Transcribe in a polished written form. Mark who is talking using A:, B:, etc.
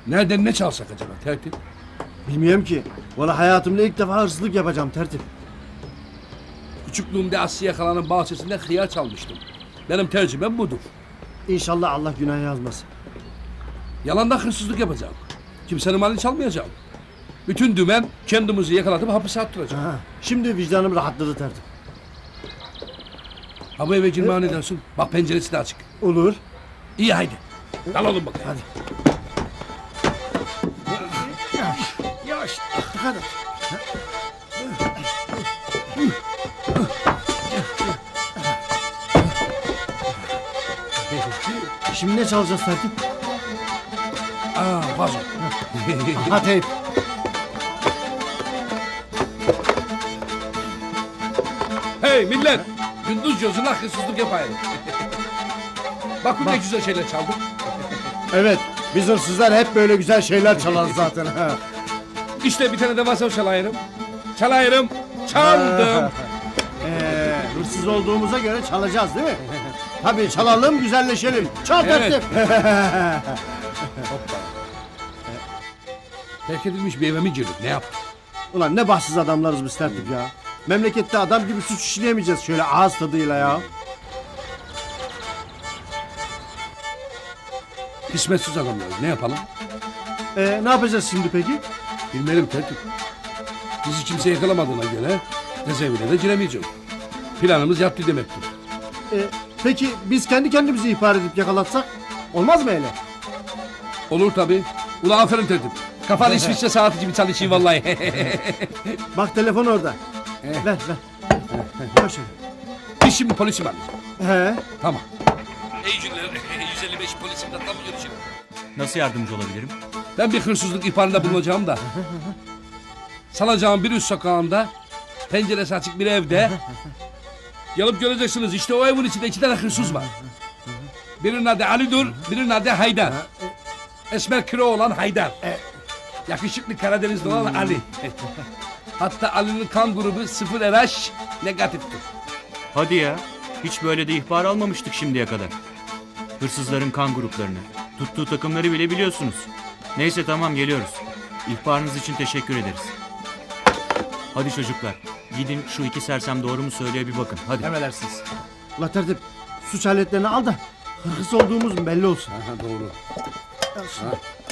A: Nereden ne çalsak acaba tertip?
B: Bilmiyorum ki. Valla hayatımda ilk defa hırsızlık yapacağım tertip.
A: Küçüklüğümde Asya Yakalan'ın bahçesinden hıyar çalmıştım. Benim tercihim budur.
B: İnşallah Allah günah yazmasın.
A: Yalandan hırsızlık yapacağım. Kimsenin malını çalmayacağım. Bütün dümen kendimizi yakalatıp hapise attıracağım.
B: Ha, şimdi vicdanım rahatladı tertip.
A: Ha bu eve girmeye ne dersin? Bak penceresi de açık.
B: Olur.
A: İyi haydi. Dalalım bakalım.
B: Hadi. Yavaş. Dikkat et. Şimdi ne çalacağız tertip?
A: Aa vazo.
B: Ha teyp.
A: Hey millet! Gündüz gözüne hırsızlık yapayım. Bak ne güzel şeyler çaldım.
B: Evet. Biz hırsızlar hep böyle güzel şeyler çalarız zaten. Ha.
A: İşte bir tane de vazo çalayırım. Çalayırım. Çaldım.
B: Hırsız olduğumuza göre çalacağız değil mi? Tabii çalalım, güzelleşelim. Çal
A: Evet.
B: tertip.
A: Terk edilmiş bir eve mi girdik? Ne yaptık?
B: Ulan ne bahtsız adamlarız biz tertip ya. Memlekette adam gibi suç işleyemeyeceğiz şöyle ağız tadıyla ya.
A: Kısmetsiz adamlarız. Ne yapalım?
B: Ne yapacağız şimdi peki?
A: Bilmedim tertip. Bizi kimse yakalamadığına göre cezaevine de giremeyeceğim. Planımız yattı demektir.
B: Peki biz kendi kendimizi ihbar edip yakalatsak? Olmaz mı öyle?
A: Olur tabii. Ula aferin tertip. Kafan İsviçre saati gibi çalışıyor vallahi.
B: Bak telefon orada. Ver. Koş.
A: Biz şimdi polisi mi arayacağız?
B: He.
A: Tamam. İyi günler. 155 polisimle tam görüşelim.
C: Nasıl yardımcı olabilirim?
A: Ben bir hırsızlık ihbarında bulunacağım da. Salacağım bir üst sokağında, penceresi açık bir evde. Gelip göreceksiniz, işte o evin içinde 2 tane hırsız var. Birinin adı Ali'dur, birinin adı Haydar. Esmer kilo olan Haydar. Yakışıklı Karadenizli olan Ali. Hatta Ali'nin kan grubu 0 RH negatiftir.
C: Hadi ya. Hiç böyle de ihbar almamıştık şimdiye kadar. Hırsızların kan gruplarını, tuttuğu takımları bile biliyorsunuz. Neyse tamam geliyoruz. İhbarınız için teşekkür ederiz. Hadi çocuklar. Gidin şu 2 sersem doğru mu söylüyor bir bakın. Hadi.
B: Emredersiniz. La tertip suç aletlerini al da hırsız olduğumuz belli olsun.
A: Aha, doğru.
B: Al şunu.